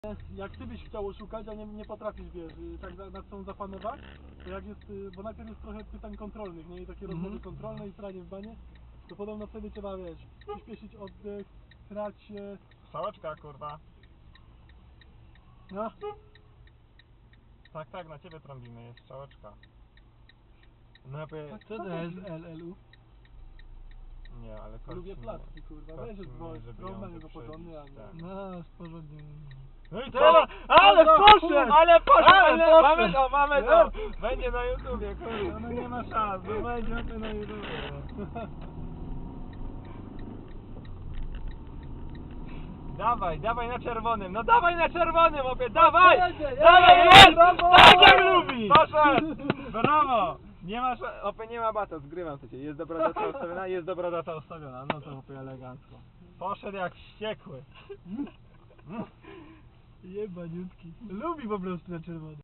Jak ty byś chciał oszukać, a nie potrafisz, wiesz, tak nad sobą zapanować, to jak jest, bo najpierw jest trochę pytań kontrolnych, nie? I takie rozmowy kontrolne i sranie w banie, to podobno wtedy trzeba, wiesz, przyspieszyć oddech, srać się. Strzałeczka, kurwa. No. Tak, na ciebie trąbimy, jest strzałeczka. No Co to jest LLU? Nie, ale Lubię placki, kurwa, wiesz, że trąba jego porządny, a nie. Tak. No, z porządnym. No i Teraz- ale poszedł! Ale poszedł! Ale Mamy to, mamy to! Jest. Będzie na YouTubie, kurwa. No nie ma szans, no będzie to na YouTube. Dawaj na czerwonym, no dawaj na czerwonym, opie, dawaj! Jedzie, Dawaj, jedzie, jest! brawo! Tak jak lubi! Poszedł! Brawo! Nie masz, opie, nie ma bata, zgrywam to cię. Jest dobra data ustawiona? Jest dobra data ustawiona, no to opie elegancko. Poszedł jak wściekły. Jebaniutki. Lubi po prostu na czerwono.